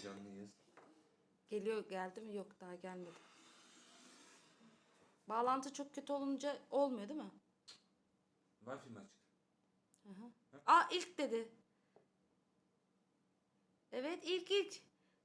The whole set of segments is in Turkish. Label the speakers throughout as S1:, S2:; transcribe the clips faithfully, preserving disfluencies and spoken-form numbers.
S1: canlıyız.
S2: Geliyor, geldi mi? Yok, daha gelmedi. Bağlantı çok kötü olunca olmuyor değil mi?
S1: Wi-Fi mi açık?
S2: Hı hı. Aa, ilk dedi. Evet, ilk ilk.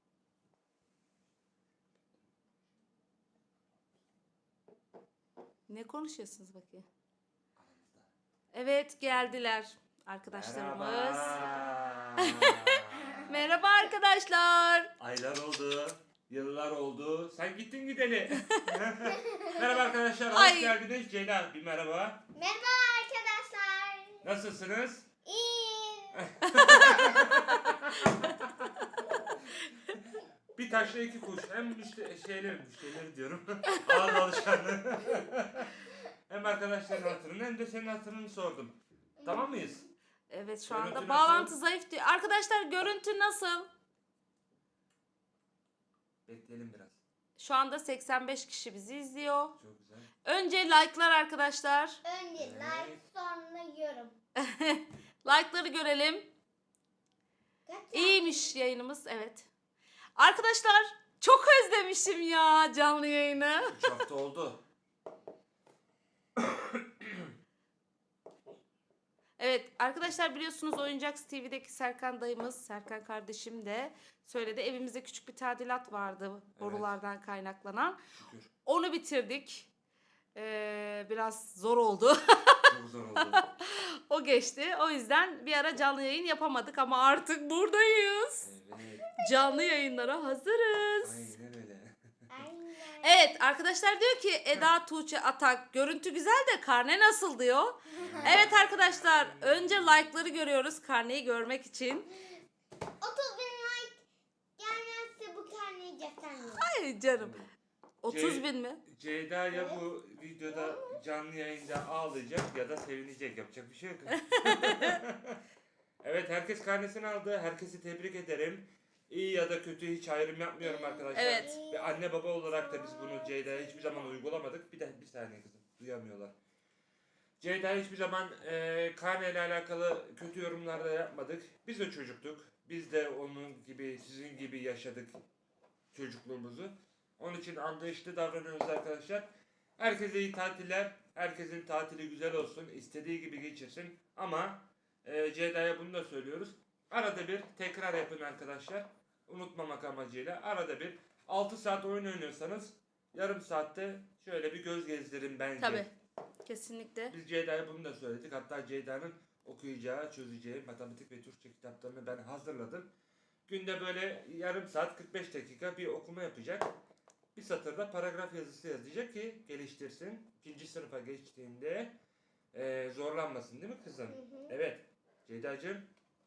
S2: Ne konuşuyorsunuz bakayım? Evet, geldiler arkadaşlarımız.
S1: Merhaba.
S2: Merhaba arkadaşlar.
S1: Aylar oldu. Yıllar oldu. Sen gittin gideli. Merhaba arkadaşlar. Hoş
S2: Ay.
S1: geldiniz. Ceyda bir merhaba.
S3: Merhaba arkadaşlar.
S1: Nasılsınız?
S3: İyiyim.
S1: Bir taşla iki kuş. Hem müşteri, şeyleri, müşterileri diyorum. Ağız alışkanlığı. Hem arkadaşların hatırını hem de senin hatırını sordum. Tamam mıyız?
S2: Evet, şu
S1: Görüntü
S2: anda
S1: nasıl?
S2: bağlantı zayıf diyor. Arkadaşlar, görüntü nasıl?
S1: Bekleyelim biraz.
S2: Şu anda seksen beş kişi bizi izliyor.
S1: Çok güzel.
S2: Önce like'lar arkadaşlar.
S3: Önce like sonra yorum.
S2: Like'ları görelim.
S3: Kaç
S2: İyiymiş yayınımız, evet. Arkadaşlar, çok özlemişim ya canlı yayını.
S1: üç hafta oldu.
S2: Evet arkadaşlar, biliyorsunuz Oyuncaks T V'deki Serkan dayımız, Serkan kardeşim de söyledi. Evimizde küçük bir tadilat vardı borulardan kaynaklanan.
S1: Şükür.
S2: Onu bitirdik. Ee, biraz zor oldu.
S1: Çok zor oldu.
S2: O geçti. O yüzden bir ara canlı yayın yapamadık ama artık buradayız.
S1: Evet.
S2: Canlı yayınlara hazırız.
S1: Aynen öyle.
S3: Aynen.
S2: Evet arkadaşlar, diyor ki Eda Tuğçe Atak, görüntü güzel de karne nasıl diyor. Evet arkadaşlar, önce like'ları görüyoruz karneyi görmek için.
S3: otuz bin like gelmezse bu karneyi göstermiyorum.
S2: Ay canım. otuz
S1: Ce-
S2: bin mi?
S1: Ceyda ya bu videoda canlı yayında ağlayacak ya da sevinecek. Yapacak bir şey yok. Evet, herkes karnesini aldı. Herkesi tebrik ederim. İyi ya da kötü hiç ayrım yapmıyorum arkadaşlar.
S2: Evet.
S1: Ve anne baba olarak da biz bunu Ceyda'ya hiçbir zaman uygulamadık. Bir de bir saniye kızım, duyamıyorlar. Ceyda hiçbir zaman e, karneyle alakalı kötü yorumlar da yapmadık. Biz de çocuktuk. Biz de onun gibi, sizin gibi yaşadık çocukluğumuzu. Onun için anlayışlı davranıyoruz arkadaşlar. Herkese iyi tatiller. Herkesin tatili güzel olsun. İstediği gibi geçirsin. Ama e, Ceyda'ya bunu da söylüyoruz. Arada bir tekrar yapın arkadaşlar. Unutmamak amacıyla. Arada bir altı saat oyun oynuyorsanız yarım saatte şöyle bir göz gezdirin bence.
S2: Tabii. Kesinlikle.
S1: Biz Ceyda'ya bunu da söyledik. Hatta Ceyda'nın okuyacağı, çözeceği matematik ve Türkçe kitaplarını ben hazırladım. Günde böyle yarım saat kırk beş dakika bir okuma yapacak. Bir satırda paragraf yazısı yazacak ki geliştirsin. İkinci sınıfa geçtiğinde eee, zorlanmasın değil mi kızım?
S3: Hı hı.
S1: Evet. Ceyda'cığım.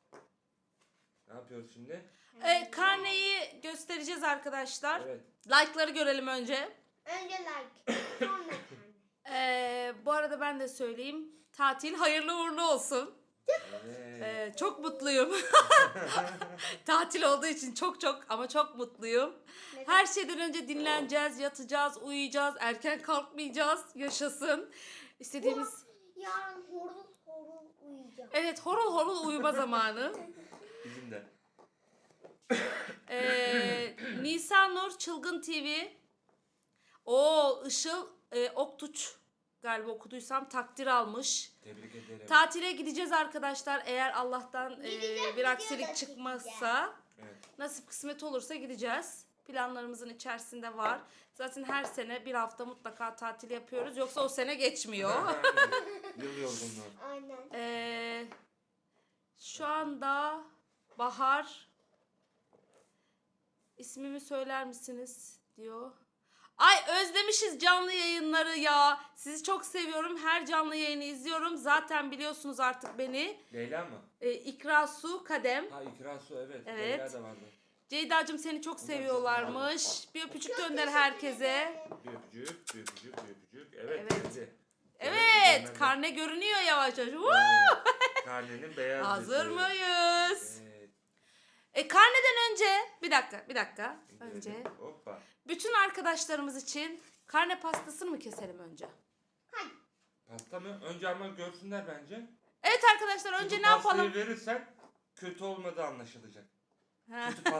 S1: Ne yapıyoruz şimdi?
S2: Ee, karneyi göstereceğiz arkadaşlar.
S1: Evet.
S2: Like'ları görelim önce.
S3: Önce like sonra karne.
S2: Ee, bu arada ben de söyleyeyim. Tatil hayırlı uğurlu olsun.
S1: Evet.
S2: Ee, çok mutluyum. Tatil olduğu için çok çok ama çok mutluyum.
S3: Neden?
S2: Her şeyden önce dinleneceğiz, yatacağız, uyuyacağız, erken kalkmayacağız, yaşasın. İstediğimiz...
S3: Yarın horul horul uyuyacağım.
S2: Evet, horul horul uyuma zamanı.
S1: Bizim de.
S2: Ee, Nisan Nur Çılgın T V. O Işıl e, Oktuç galiba okuduysam takdir almış.
S1: Tebrik ederim.
S2: Tatile gideceğiz arkadaşlar. Eğer Allah'tan e,
S3: Gideceğiz,
S2: bir aksilik
S3: gidiyoruz,
S2: çıkmazsa,
S1: Evet.
S2: nasip kısmet olursa gideceğiz. Planlarımızın içerisinde var. Zaten her sene bir hafta mutlaka tatil yapıyoruz. Yoksa o sene geçmiyor.
S1: Aynen. Yıl yorgunluğu.
S3: Aynen.
S2: Ee, şu anda Bahar, ismimi söyler misiniz diyor. Ay, özlemişiz canlı yayınları ya. Sizi çok seviyorum. Her canlı yayını izliyorum. Zaten biliyorsunuz artık beni.
S1: Leyla mı?
S2: Ee, İkra Su Kadem.
S1: Ha, İkra Su, evet.
S2: Evet.
S1: Leyla da vardı.
S2: Ceyda'cığım seni çok seviyorlarmış. Bir öpücük gönder herkese.
S1: Bir öpücük, bir öpücük, bir öpücük. Evet.
S2: Evet.
S1: geldi.
S2: Evet,
S1: Geldi.
S2: karne görünüyor yavaş yavaş. Woo!
S1: Evet. Karnenin beyaz
S2: Hazır
S1: yüzü.
S2: mıyız?
S1: Evet.
S2: E karneden önce bir dakika bir dakika önce
S1: Evet. Hoppa.
S2: bütün arkadaşlarımız için karne pastasını mı keselim önce?
S3: Hadi.
S1: Pasta mı? Önce ama görsünler bence.
S2: Evet arkadaşlar, önce
S1: Çünkü
S2: ne yapalım?
S1: pastayı verirsen kötü olmadığı anlaşılacak.
S2: Ha.
S1: Kötü, pas kötü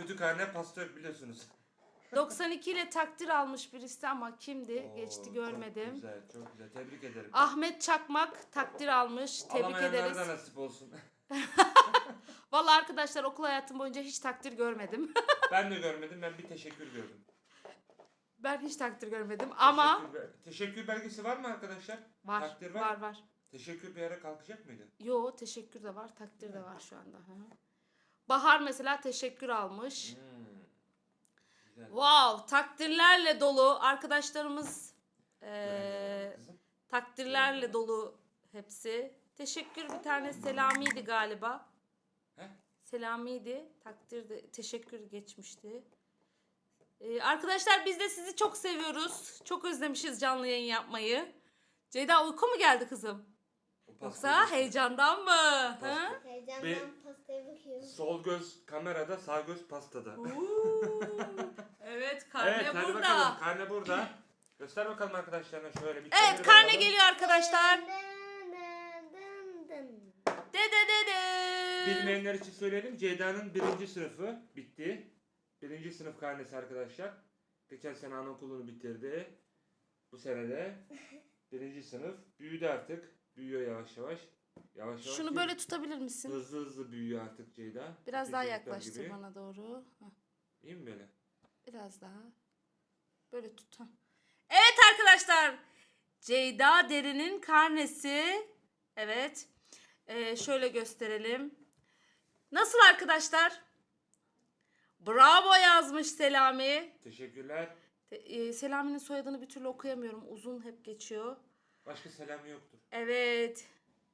S1: kötü karne pastör biliyorsunuz.
S2: doksan iki ile takdir almış birisi ama kimdi?
S1: Oo,
S2: Geçti görmedim.
S1: Çok güzel, çok güzel. Tebrik ederim.
S2: Ahmet Çakmak takdir almış. Tebrik
S1: Alamayanlara
S2: ederiz.
S1: da nasip olsun.
S2: Vallahi arkadaşlar okul hayatım boyunca hiç takdir görmedim.
S1: Ben de görmedim, ben bir teşekkür gördüm.
S2: Ben hiç takdir görmedim ama
S1: Teşekkür, be- teşekkür belgesi var mı arkadaşlar?
S2: var
S1: Takdir var.
S2: var var.
S1: Teşekkür bir ara kalkacak mıydı?
S2: Yo teşekkür de var, takdir de var şu anda. Hı. Bahar mesela teşekkür almış.
S1: Hmm. Güzel.
S2: Wow, takdirlerle dolu arkadaşlarımız eee,
S1: Öğrenci kızım.
S2: takdirlerle dolu hepsi. Teşekkür bir tane Selami'ydi galiba.
S1: He?
S2: Selami'ydi. Takdir de teşekkür geçmişti. Ee, arkadaşlar biz de sizi çok seviyoruz. Çok özlemişiz canlı yayın yapmayı. Ceyda uyku mu geldi kızım?
S1: O pastayı
S2: Yoksa
S1: göster.
S2: heyecandan mı? Ha?
S1: Pasta.
S3: Heyecandan
S1: Bir-
S3: pastaya bakıyorum.
S1: Sol göz kamerada, sağ göz pastada.
S2: Uuu. Evet karne
S1: Evet, hadi
S2: burada.
S1: bakalım. Karne burada. Göster bakalım arkadaşlarına şöyle bir
S2: Evet
S1: çevir
S2: karne
S1: bakalım.
S2: geliyor arkadaşlar.
S3: Dın dın dın dın.
S2: De de de de.
S1: Bilmeyenler için söyleyelim. Ceyda'nın birinci sınıfı bitti. Birinci sınıf karnesi arkadaşlar. Geçen sene anaokulunu bitirdi. Bu sene de birinci sınıf. Büyüdü artık. Büyüyor yavaş yavaş. Yavaş yavaş
S2: Şunu
S1: değil,
S2: böyle tutabilir misin?
S1: hızlı hızlı büyüyor artık Ceyda.
S2: Biraz
S1: Bütün
S2: daha
S1: çocuklar
S2: yaklaştır
S1: gibi.
S2: bana doğru. Heh,
S1: İyi mi böyle?
S2: biraz daha. Böyle tut. Heh. Evet arkadaşlar. Ceyda Derin'in karnesi. Evet. Ee, şöyle gösterelim. Nasıl arkadaşlar? Bravo yazmış Selami.
S1: Teşekkürler.
S2: Te- e, Selami'nin soyadını bir türlü okuyamıyorum. Uzun hep geçiyor.
S1: Başka selamı yoktur.
S2: Evet.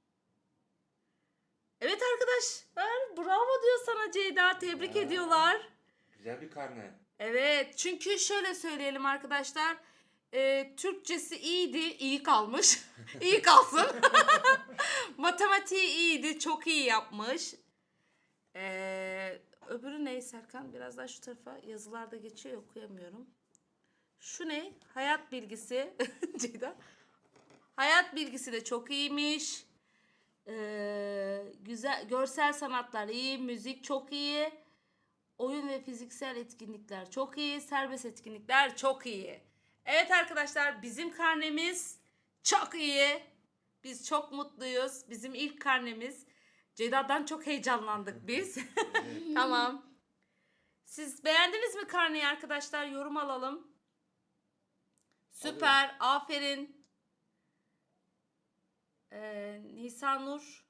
S2: Evet arkadaşlar. Bravo diyor sana Ceyda. Tebrik
S1: Ya.
S2: ediyorlar.
S1: Güzel bir karne.
S2: Evet. Çünkü şöyle söyleyelim arkadaşlar. E, Türkçesi iyiydi. İyi kalmış. İyi kalsın. Matematiği iyiydi. Çok iyi yapmış. Ee, öbürü ne Serkan? Biraz daha şu tarafa yazılarda geçiyor ya, okuyamıyorum. Şu ne? Hayat bilgisi. Ceyda. Hayat bilgisi de çok iyiymiş. Ee, güzel görsel sanatlar iyi, müzik çok iyi. Oyun ve fiziksel etkinlikler çok iyi, serbest etkinlikler çok iyi. Evet arkadaşlar bizim karnemiz çok iyi. Biz çok mutluyuz. Bizim ilk karnemiz. Ceyda'dan çok heyecanlandık biz.
S1: Evet.
S2: Tamam. Siz beğendiniz mi karneyi arkadaşlar? Yorum alalım. Süper. Aferin. Ee, Nisan Nur.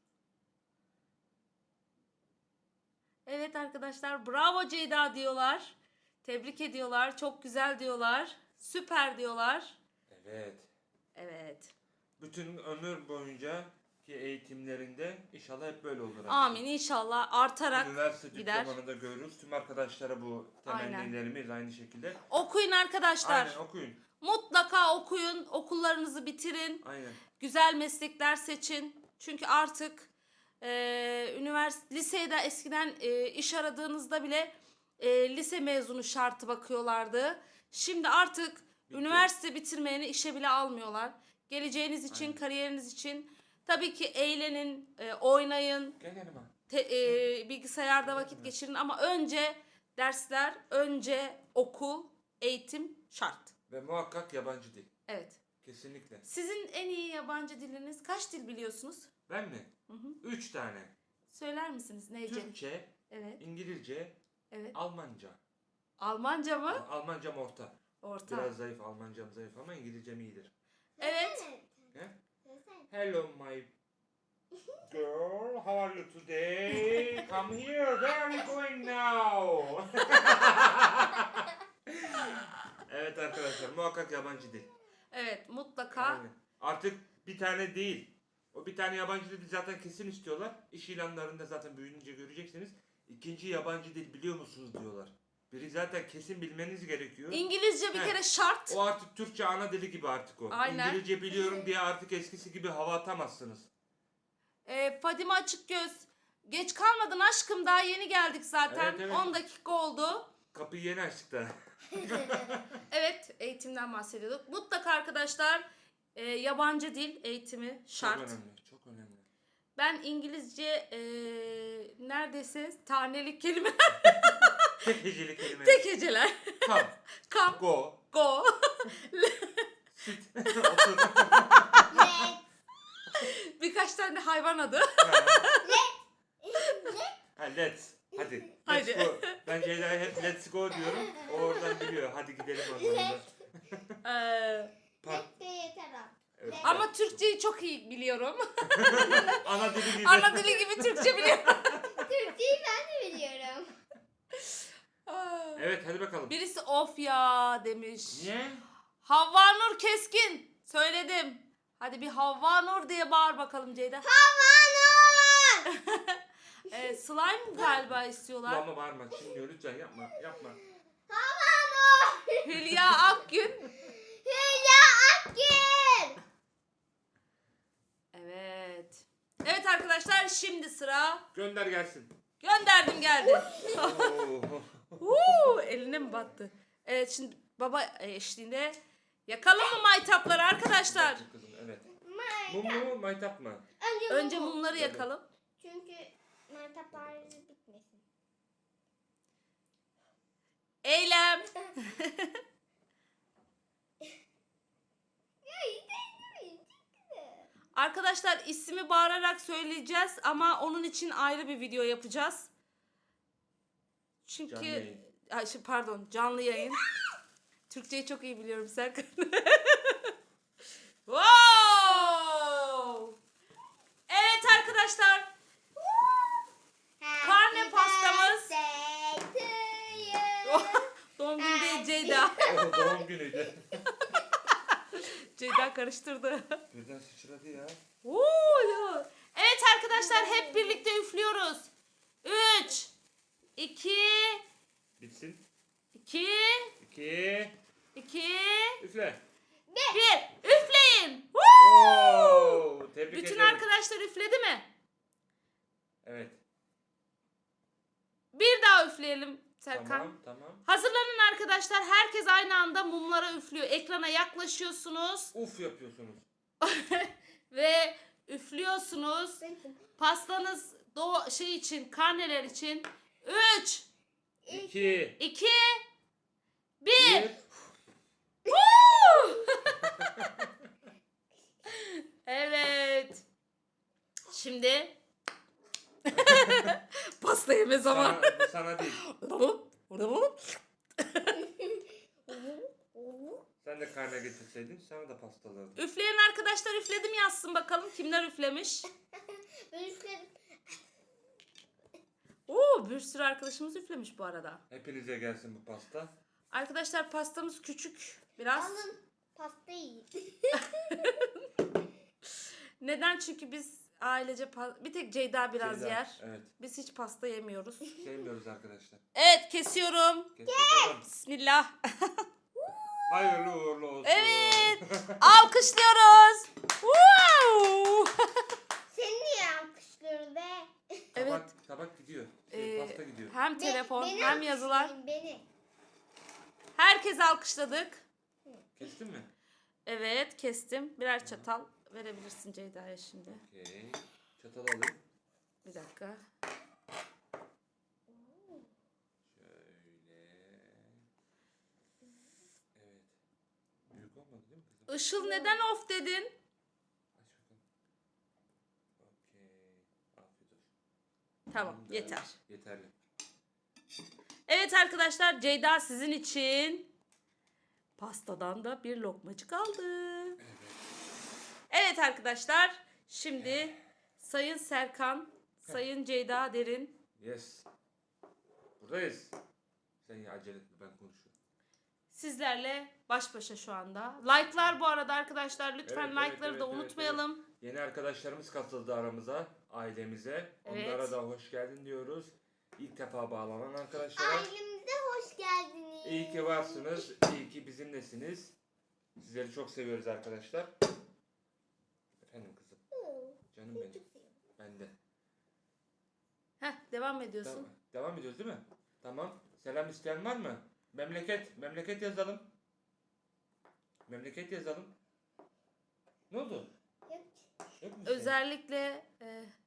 S2: Evet arkadaşlar. Bravo Ceyda diyorlar. Tebrik ediyorlar. Çok güzel diyorlar. Süper diyorlar.
S1: Evet.
S2: Evet.
S1: Bütün ömür boyunca ki eğitimlerinde inşallah hep böyle olur.
S2: Amin inşallah artarak
S1: Üniversite
S2: gider.
S1: diplomanı da görürüz. Tüm arkadaşlara bu temennilerimiz aynı şekilde.
S2: Okuyun arkadaşlar.
S1: Aynen okuyun.
S2: Mutlaka okuyun. Okullarınızı bitirin.
S1: Aynen.
S2: Güzel meslekler seçin. Çünkü artık e, üniversite, lisede eskiden e, iş aradığınızda bile e, lise mezunu şartı bakıyorlardı. Şimdi artık
S1: Bitti.
S2: üniversite bitirmeyeni işe bile almıyorlar. Geleceğiniz için,
S1: Aynen.
S2: kariyeriniz için tabii ki eğlenin, e, oynayın,
S1: Gel yanıma.
S2: te- e, bilgisayarda vakit geçirin ama önce dersler, önce okul, eğitim şart.
S1: Ve muhakkak yabancı dil.
S2: Evet.
S1: Kesinlikle.
S2: Sizin en iyi yabancı diliniz kaç dil biliyorsunuz?
S1: Ben mi?
S2: Hı hı.
S1: Üç tane.
S2: Söyler misiniz neyce?
S1: Türkçe,
S2: Evet.
S1: İngilizce,
S2: Evet.
S1: Almanca.
S2: Almanca mı?
S1: Almancam orta.
S2: Orta.
S1: Biraz zayıf, Almancam zayıf ama İngilizcem iyidir.
S2: Evet.
S1: He?
S3: Desene.
S1: Hello my girl, how are you today? Come here, where are we going now? Evet arkadaşlar, muhakkak yabancı dil.
S2: Evet mutlaka.
S1: Aynen. Artık bir tane değil. O bir tane yabancı dil zaten kesin istiyorlar. İş ilanlarında zaten büyüyünce göreceksiniz. İkinci yabancı dil biliyor musunuz diyorlar. Biri zaten kesin bilmeniz gerekiyor.
S2: İngilizce bir
S1: He.
S2: kere şart.
S1: O artık Türkçe ana dili gibi artık o.
S2: Aynen.
S1: İngilizce biliyorum diye artık eskisi gibi hava atamazsınız.
S2: Ee, Fadime Açıkgöz. Geç kalmadın aşkım daha yeni geldik zaten.
S1: Evet, evet.
S2: on dakika oldu.
S1: Kapıyı yeni açtık da.
S2: Evet eğitimden bahsediyorduk. Mutlaka arkadaşlar e, yabancı dil eğitimi şart.
S1: Çok önemli. Çok önemli.
S2: Ben İngilizce e, neredeyse tanelik kelime
S1: Tek heceli kelime.
S2: Tek heceler.
S1: Come.
S2: Come,
S1: Go.
S2: go.
S1: Sit. Otur.
S3: Let.
S2: Birkaç tane hayvan adı.
S1: Ha. Ha, let's. Hadi. Let's
S2: Hadi.
S1: go. Ben Ceyda'ya hep let's go diyorum. O oradan biliyor. Hadi gidelim anlamında.
S2: Ee,
S1: Park.
S3: Let de yeter abi.
S1: Evet.
S2: ama Türkçeyi çok iyi biliyorum.
S1: Ana dili gibi.
S2: Ana dili gibi Türkçe biliyorum.
S3: Türkçeyi ben de biliyorum.
S2: Aa.
S1: Evet hadi bakalım.
S2: Birisi of ya demiş.
S1: Niye?
S2: Havva Nur Keskin. Söyledim. Hadi bir Havva Nur diye bağır bakalım Ceyda.
S3: Havanur.
S2: Ee, slime galiba istiyorlar.
S1: Ama bağırma. Şimdi lütfen yapma. Yapma.
S3: Havanur.
S2: Hülya Akgün.
S3: Hülya Akgün.
S2: Evet. Evet arkadaşlar şimdi sıra.
S1: Gönder gelsin.
S2: Gönderdim geldi.
S1: Oo.
S2: Huu, eline mi battı? Evet şimdi baba eşliğinde yakalım mı maytapları arkadaşlar?
S1: Kızım, evet.
S3: Maytap.
S1: Mum mu maytap mı?
S3: Önce,
S2: Önce
S3: mumu.
S2: mumları yakalım.
S3: Çünkü maytaplar bitmesin.
S2: Eylem.
S3: Ya iyi
S2: Arkadaşlar ismi bağırarak söyleyeceğiz ama onun için ayrı bir video yapacağız. Çünkü
S1: Canlı yayın.
S2: Ay, şey, pardon canlı yayın. Türkçeyi çok iyi biliyorum Serkan. Wow! Evet arkadaşlar. Karne pastamız. Doğum günü değil Ceyda.
S1: O doğum günüydü.
S2: Ceyda karıştırdı.
S1: Birden sıçradı ya.
S2: Oo, ya. Evet arkadaşlar hep birlikte üflüyoruz. üç iki
S1: Bitsin.
S2: iki
S1: İki.
S2: iki
S1: Üfle.
S2: bir Üfleyin. Woo!
S1: Oo, tebrik
S2: Bütün
S1: ederim.
S2: arkadaşlar üfledi mi?
S1: Evet.
S2: Bir daha üfleyelim Serkan.
S1: Tamam tamam.
S2: Hazırlanın arkadaşlar. Herkes aynı anda mumlara üflüyor. Ekrana yaklaşıyorsunuz
S1: Uf yapıyorsunuz.
S2: ve üflüyorsunuz. Pastanız doğu şey için, karneler için. üç
S1: İki.
S2: iki bir
S1: Bir.
S2: Evet. Şimdi pasta yeme zamanı.
S1: Sana, bu sana değil. Sen de karne getirseydin sana da pasta alırdım.
S2: Üfleyen arkadaşlar üfledi mi yazsın bakalım kimler üflemiş.
S3: Ben üfledim.
S2: Oo, bir sürü arkadaşımız üflemiş bu arada.
S1: Hepinize gelsin bu pasta.
S2: Arkadaşlar pastamız küçük biraz.
S3: Alın pastayı yiyin.
S2: Neden? Çünkü biz ailece pa- bir tek Ceyda biraz
S1: Ceyda,
S2: yer.
S1: Evet.
S2: Biz hiç pasta yemiyoruz.
S1: Sevmiyoruz arkadaşlar.
S2: Evet kesiyorum.
S1: Kes bakalım.
S2: Bismillah.
S1: Hayırlı uğurlu olsun.
S2: Evet. Alkışlıyoruz. Wow.
S3: Seni niye alkışlıyoruz be?
S2: Evet.
S1: Tabak, tabak gidiyor. Şey,
S2: Ee,
S1: pasta gidiyor.
S2: hem telefon
S3: Beni
S2: hem yazılar.
S3: alkışlayın, Beni.
S2: Herkes alkışladık.
S1: Kestin mi?
S2: Evet kestim. Birer çatal verebilirsin Ceyda'ya şimdi.
S1: Okey. Çatal alayım.
S2: Bir dakika.
S1: Şöyle. Evet. Büyük olmadı değil mi kızım?
S2: Işıl neden of dedin?
S1: Aç bakalım. Okey. Afiyet olsun.
S2: Tamam
S1: Tamamdır.
S2: yeter.
S1: Yeterli.
S2: Evet arkadaşlar Ceyda sizin için pastadan da bir lokmacık aldı.
S1: Evet.
S2: Evet arkadaşlar şimdi Sayın Serkan, Sayın Ceyda Derin
S1: Yes. Buradayız. Sen ya acele etme ben konuşuyorum.
S2: sizlerle baş başa şu anda. Like'lar bu arada arkadaşlar lütfen
S1: Evet, evet,
S2: like'ları
S1: evet,
S2: da
S1: evet,
S2: unutmayalım.
S1: Yeni arkadaşlarımız katıldı aramıza, ailemize.
S2: Evet.
S1: Onlara da hoş geldin diyoruz. İlk defa bağlanan arkadaşlara.
S3: Ailemize hoş geldiniz.
S1: İyi ki varsınız. İyi ki bizimlesiniz. Sizleri çok seviyoruz arkadaşlar. Efendim kızım. Canım benim. Ben de.
S2: Heh, devam ediyorsun.
S1: Tamam. Devam ediyoruz değil mi? Tamam. Selam isteyen var mı? Memleket. Memleket yazalım. Memleket yazalım. Ne oldu?
S3: Yok.
S1: Yok mu? bir şey?
S2: Özellikle e,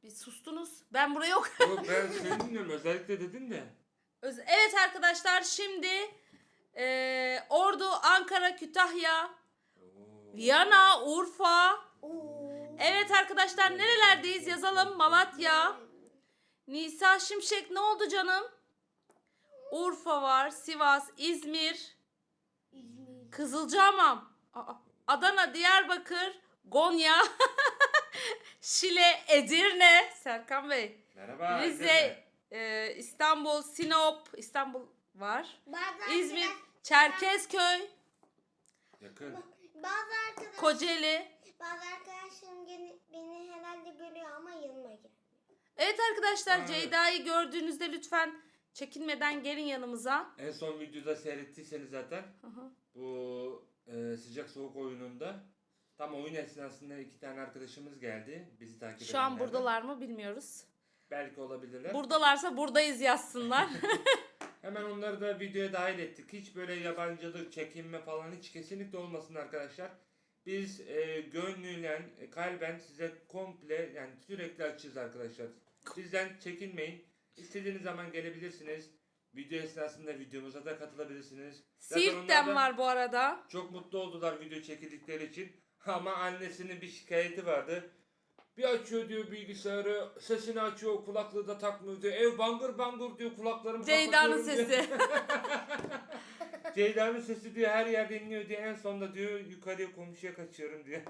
S2: Bir sustunuz. Ben buraya yok.
S1: Yok ben seni dinliyorum. Özellikle dedin de.
S2: Öz- Evet arkadaşlar şimdi eee, Ordu, Ankara, Kütahya,
S1: Oo.
S2: Viyana, Urfa.
S3: Oo.
S2: Evet arkadaşlar nerelerdeyiz yazalım. Malatya, Nisa Şimşek ne oldu canım? Urfa var, Sivas, İzmir,
S3: İzmir.
S2: Kızılcahamam, Aa, Adana, Diyarbakır, Gonya, Şile, Edirne, Serkan Bey,
S1: Merhaba.
S2: Rize,
S1: Edirne.
S2: e, İstanbul, Sinop, İstanbul var,
S3: Bazı
S2: İzmir,
S3: arkadaş-
S2: Çerkezköy,
S1: Yakın.
S3: Bazı arkadaş,
S2: Kocaeli.
S3: bazı arkadaşlarım gene- beni herhalde görüyor ama yanıma gel.
S2: Evet arkadaşlar
S1: Evet.
S2: Ceyda'yı gördüğünüzde lütfen çekinmeden gelin yanımıza.
S1: En son videoda seyrettiyseniz zaten
S2: Hı hı.
S1: bu e, sıcak soğuk oyununda tam oyun esnasında iki tane arkadaşımız geldi. Bizi takip
S2: Şu an
S1: edenlerden.
S2: buradalar mı bilmiyoruz.
S1: Belki olabilirler.
S2: Buradalarsa buradayız yazsınlar.
S1: Hemen onları da videoya dahil ettik. Hiç böyle yabancılık, çekinme falan hiç kesinlikle olmasın arkadaşlar. Biz e, gönlüyle, e, kalben size komple yani sürekli açığız arkadaşlar. Sizden çekinmeyin. İstediğiniz zaman gelebilirsiniz. Video esnasında videomuza da katılabilirsiniz. Zaten
S2: Siirt'ten
S1: onlar da
S2: var bu arada.
S1: çok mutlu oldular video çekildikleri için. Ama annesinin bir şikayeti vardı. Bir açıyor diyor bilgisayarı, sesini açıyor, kulaklığı da takmıyor diyor. Ev bangır bangır diyor, kulaklarımı
S2: Ceyda'nın
S1: kapatıyorum diyor.
S2: sesi.
S1: Ceyda'nın sesi diyor her yerde inliyor diyor. En sonunda diyor yukarıya komşuya kaçıyorum diyor.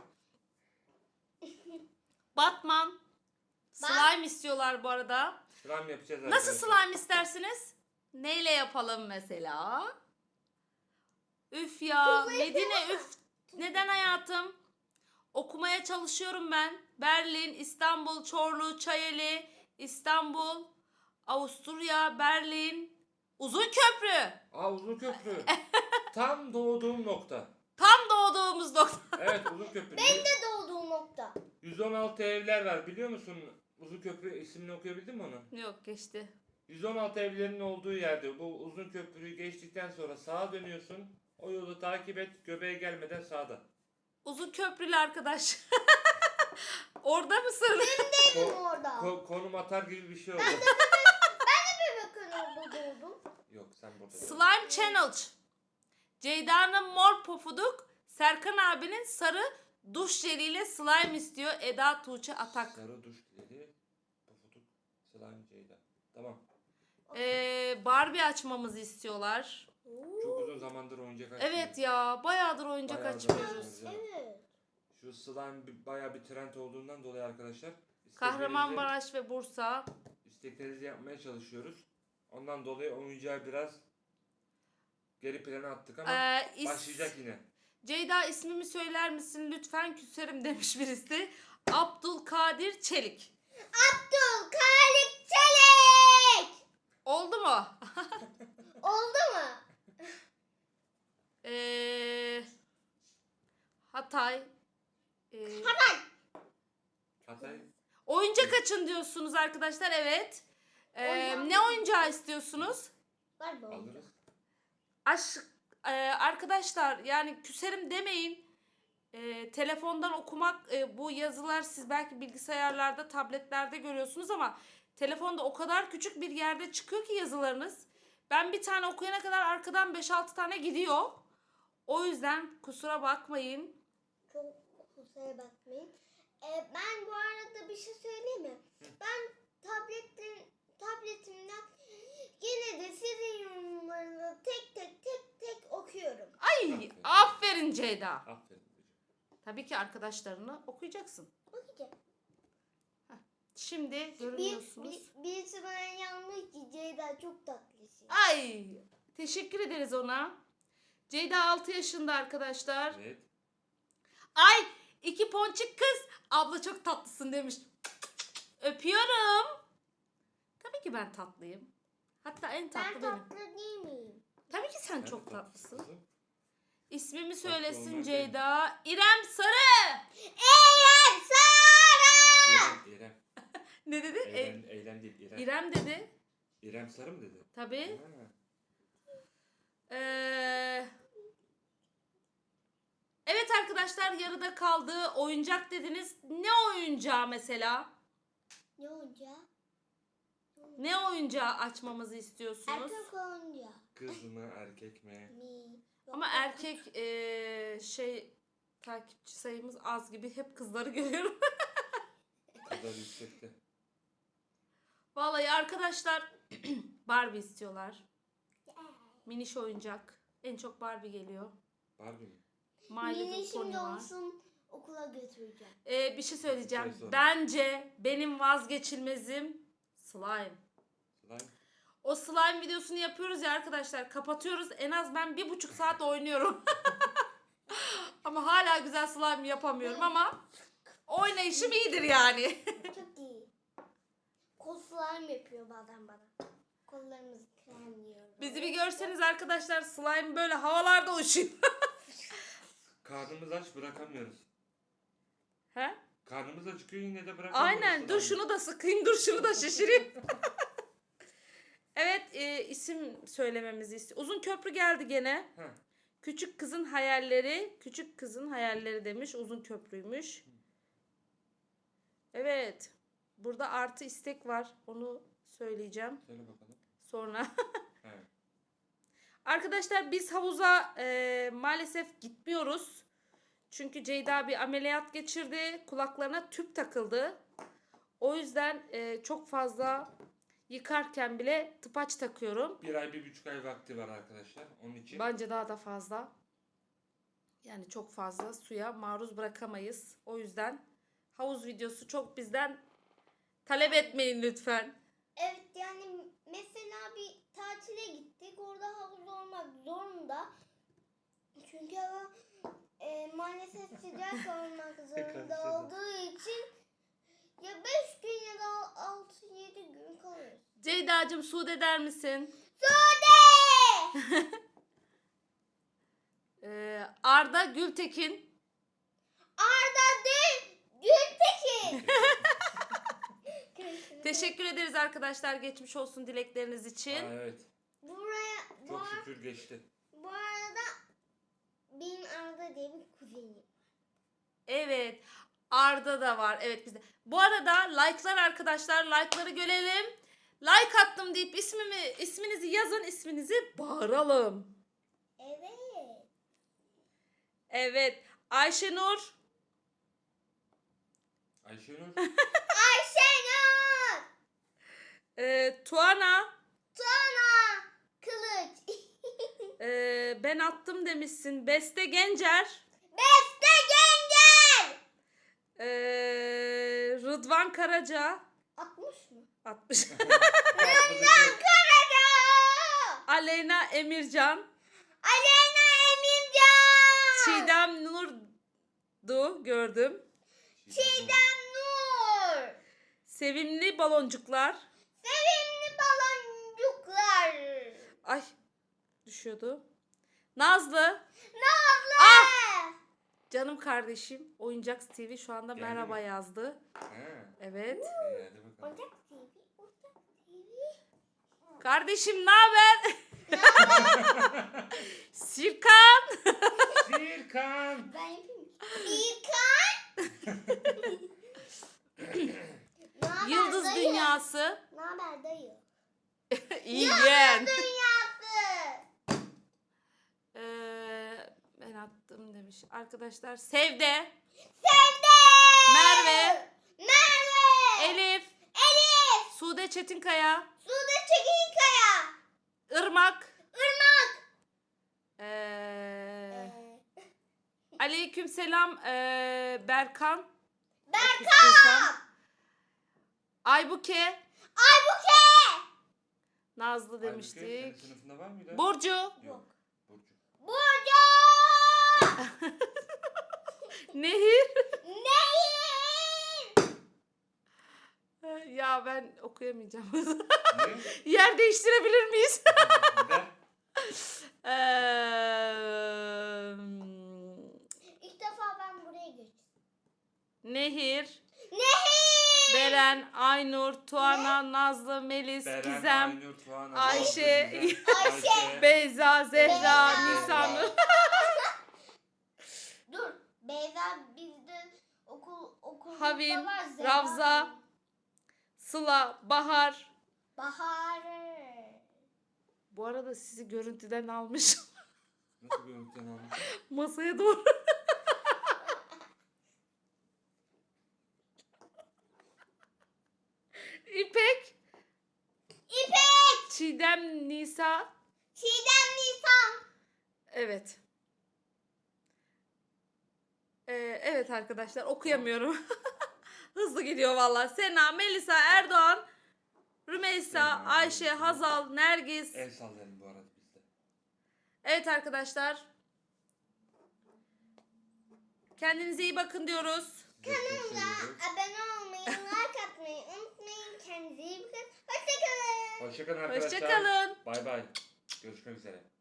S2: Batman. Slime istiyorlar bu arada.
S1: Slime yapacağız
S2: Nasıl
S1: arkadaşlar.
S2: slime istersiniz? Neyle yapalım mesela? Üf ya. Medine üf. Neden hayatım? Okumaya çalışıyorum ben. Berlin, İstanbul, Çorlu, Çayeli, İstanbul, Avusturya, Berlin, Uzunköprü.
S1: Aa uzun köprü. Tam doğduğum nokta.
S2: Tam doğduğumuz nokta.
S1: Evet uzun köprü.
S3: Ben de doğduğum nokta.
S1: yüz on altı evler var biliyor musun? Uzun köprü ismini okuyabildin mi onu?
S2: Yok geçti.
S1: yüz on altı evlerin olduğu yerde bu uzun köprüyü geçtikten sonra sağa dönüyorsun. O yolu takip et. Göbeğe gelmeden sağda.
S2: Uzun köprülü arkadaş. Orada mısın?
S3: Benim
S1: Ko-
S3: orada.
S1: ko- konum atar gibi bir şey oldu.
S3: Bakın orada doğdum.
S1: Yok sen burada. değil.
S2: Slime Challenge. Ceyda'nın mor pofuduk, Serkan abinin sarı duş jeliyle slime istiyor. Eda Tuğçe Atak.
S1: Sarı duş dedi. Pofuduk. Slime Ceyda. Tamam.
S2: Ee, Barbie açmamızı istiyorlar.
S1: Çok uzun zamandır oyuncak açmıyorum.
S2: Evet ya bayağıdır oyuncak
S1: Bayağıdır
S2: açmıyoruz.
S1: açmıyoruz.
S3: Evet.
S1: Şu slime bir- bayağı bir trend olduğundan dolayı arkadaşlar. isteklerinizi-
S2: Kahramanmaraş ve Bursa.
S1: isteklerinizi yapmaya çalışıyoruz. Ondan dolayı oyuncağı biraz geri plana attık ama
S2: Ee, is-
S1: başlayacak yine.
S2: Ceyda ismimi söyler misin lütfen küserim demiş birisi. Abdülkadir Çelik.
S3: Abdülkadir Çelik.
S2: Oldu mu?
S3: Oldu mu?
S2: Ee, Hatay. Ee,
S1: Hatay
S2: oyuncak açın diyorsunuz arkadaşlar evet. Ee,
S3: Oyuncak
S2: ne oyuncağı istiyorsunuz?
S3: Var mı?
S1: alırız.
S2: Aşk e, arkadaşlar yani küserim demeyin. E, telefondan okumak e, bu yazılar siz belki bilgisayarlarda, tabletlerde görüyorsunuz ama telefonda o kadar küçük bir yerde çıkıyor ki yazılarınız. Ben bir tane okuyana kadar arkadan beş altı tane gidiyor. O yüzden kusura bakmayın.
S3: Çok kusura bakmayın. Ee, ben bu arada bir şey söyleyeyim mi? Ben tabletin tabletimden yine de sizin yorumlarınızı tek tek tek tek okuyorum.
S2: Ay
S1: Aferin.
S2: aferin Ceyda.
S1: Aferin.
S2: Tabii ki arkadaşlarını okuyacaksın.
S3: Okuyacağım.
S2: Şimdi
S3: Bir,
S2: görüyorsunuz.
S3: bir, birisi bana yazmış ki Ceyda çok tatlısın.
S2: Ay teşekkür ederiz ona. Ceyda altı yaşında arkadaşlar.
S1: Evet.
S2: Ay iki ponçik kız. Abla çok tatlısın demiş. Öpüyorum. Tabii ki ben tatlıyım. Hatta en tatlı
S3: Ben
S2: benim.
S3: tatlı değil miyim?
S2: Tabii ki sen
S1: Ben
S2: çok
S1: de
S2: tatlısın.
S1: kızım.
S2: İsmimi
S1: Tatlı
S2: söylesin
S1: olmak
S2: Ceyda. İrem Sarı.
S3: Eğer Sara!
S1: İrem, İrem.
S2: Ne dedi? E,
S1: Eylem, eylem değil, İrem.
S2: İrem dedi.
S1: İrem Sarı mı dedi?
S2: Tabii.
S1: Ha.
S2: Ee, evet arkadaşlar yarıda kaldı. Oyuncak dediniz. Ne oyuncağı mesela?
S3: Ne oyuncağı?
S2: Ne oyuncağı açmamızı istiyorsunuz?
S3: Erkek oyuncağı.
S1: Kız mı erkek mi?
S3: Mi? Yok,
S2: Ama
S3: yok.
S2: erkek eee, şey takipçi sayımız az gibi, hep kızları görüyorum.
S1: Kızlar yüksekte.
S2: Vallahi arkadaşlar Barbie istiyorlar. Miniş oyuncak. En çok Barbie geliyor.
S1: Barbie mi?
S2: My Little
S3: Mini
S2: Pony
S3: şimdi
S2: var.
S3: olsun okula götüreceğim.
S2: Ee, bir şey söyleyeceğim.
S1: Şey sonra.
S2: Bence benim vazgeçilmezim slime.
S1: Slime.
S2: O slime videosunu yapıyoruz ya arkadaşlar. Kapatıyoruz. En az ben bir buçuk saat oynuyorum. Ama hala güzel slime yapamıyorum ama oynayışım iyidir yani.
S3: Çok iyi. Kol slime yapıyor bazen bana. Kollarımızı kremliyor.
S2: Bizi bir görseniz arkadaşlar, slime böyle havalarda uçuyor.
S1: Karnımız aç bırakamıyoruz.
S2: He?
S1: Karnımız acıkıyor yine de bırakamıyoruz.
S2: Aynen. Dur
S1: slime'ı.
S2: şunu da sıkayım, dur şunu da şişireyim. Evet, e, isim söylememizi istiyor. Uzun köprü geldi gene.
S1: Heh.
S2: Küçük kızın hayalleri, küçük kızın hayalleri demiş. Uzun köprüymüş. Evet. Burada artı istek var. Onu söyleyeceğim
S1: Söyle bakalım.
S2: sonra.
S1: He.
S2: Arkadaşlar biz havuza e, maalesef gitmiyoruz. Çünkü Ceyda bir ameliyat geçirdi. Kulaklarına tüp takıldı. O yüzden e, çok fazla yıkarken bile tıpaç takıyorum.
S1: Bir ay bir buçuk ay vakti var arkadaşlar. Onun için.
S2: Bence daha da fazla. Yani çok fazla suya maruz bırakamayız. O yüzden havuz videosu çok bizden talep etmeyin lütfen.
S3: Evet yani mesela bir tatile gittik. Orada havuz olmak zorunda. Çünkü hava e, maalesef sıcak olmak zorunda
S1: Karıştırdım.
S3: olduğu için ya beş gün ya da altı yedi gün kalırız.
S2: Ceyda'cığım Sude der misin?
S3: Sude!
S2: Ee, Arda Gültekin.
S3: Arda değil, Gültekin.
S2: Teşekkür ederiz arkadaşlar geçmiş olsun dilekleriniz için.
S1: Aa, evet.
S3: Buraya, bu,
S1: Çok
S3: ar-
S1: şükür geçti.
S3: bu arada benim Arda diye bir kuzenim.
S2: Evet. Arda da var. Evet bizde. Bu arada like'lar arkadaşlar. Like'ları görelim. Like attım deyip ismimi isminizi yazın. İsminizi bağıralım.
S3: Evet.
S2: Evet. Ayşenur.
S1: Ayşenur.
S3: Ayşenur.
S2: E, Tuana.
S3: Tuana. Kılıç.
S2: e, ben attım demişsin. Beste Gencer.
S3: Beste Genger.
S2: e, Rıdvan Karaca.
S3: altmış mı?
S2: altmış.
S3: Karaca.
S2: Aleyna Emircan.
S3: Aleyna Emircan.
S2: Çiğdem Nurdu gördüm.
S3: Çiğdem Nur.
S2: Sevimli baloncuklar.
S3: Sevimli baloncuklar.
S2: Ay düşüyordu. Nazlı.
S3: Nazlı.
S2: Ah! Canım kardeşim. Oyuncak T V şu anda
S1: Geldi
S2: merhaba
S1: mi?
S2: yazdı.
S1: Ha.
S2: Evet.
S1: İyi, hadi bakalım.
S3: Oyuncak T V. Oyuncak T V.
S2: Kardeşim ne haber? Sirkan.
S1: Sirkan.
S3: Ben yapayım mı? İlkan. Naber
S2: Yıldız
S3: dayı?
S2: Dünyası.
S3: Ne haber dayı?
S2: İyi yeğen.
S3: Dünyası.
S2: Ee, ben attım demiş. Arkadaşlar Sevde.
S3: Sevde.
S2: Merve.
S3: Merve.
S2: Elif.
S3: Elif.
S2: Sude Çetinkaya.
S3: Sude Çekinkaya.
S2: Irmak.
S3: Irmak.
S2: Ee,
S3: Ee,
S2: Aleykümselam ee, Berkan.
S3: Berkan.
S2: Aybuke.
S3: Aybuke.
S2: Nazlı
S1: Halbuki
S2: demiştik.
S1: senin sınıfında var mıydı?
S2: Burcu.
S1: Yok. Burcu.
S3: Burcu.
S2: Nehir.
S3: Nehir.
S2: Ya ben okuyamayacağım.
S1: Ne?
S2: Yer değiştirebilir miyiz?
S1: Ver.
S2: Eee,
S3: İlk defa ben buraya geçtim.
S2: Nehir.
S3: Nehir.
S2: Beren, Aynur, Tuana, Nazlı, Melis,
S1: Beren,
S2: Gizem,
S1: Aynur, Tuana,
S2: Ayşe,
S1: Nazlı, Gizem,
S3: Ayşe.
S2: Beyza, Zehra,
S3: Beyza.
S2: Nisan.
S3: Dur. Beyza bizde okul okulda
S2: Havin,
S3: var. Zehra.
S2: Ravza, Sıla, Bahar.
S3: Bahar.
S2: Bu arada sizi görüntüden almış.
S1: Nasıl görüntüden almış?
S2: Masaya doğru. İpek,
S3: İpek.
S2: Çiğdem, Nisa.
S3: Çiğdem Nisan.
S2: Evet. Ee, evet arkadaşlar okuyamıyorum. Hızlı gidiyor valla. Sena, Melisa, Erdoğan, Rümeysa,
S1: Sena,
S2: Ayşe,
S1: Melisa.
S2: Hazal, Nergis.
S1: El sallayalım bu arada biz de.
S2: Evet arkadaşlar. Kendinize iyi bakın diyoruz.
S1: Sizi çok seviyoruz.
S3: Abone olmayı, like atmayı unutmayın. Kendinize iyi bakın. Hoşçakalın.
S1: Hoşçakalın arkadaşlar.
S2: Hoşçakalın.
S1: Bay bay. Görüşmek üzere.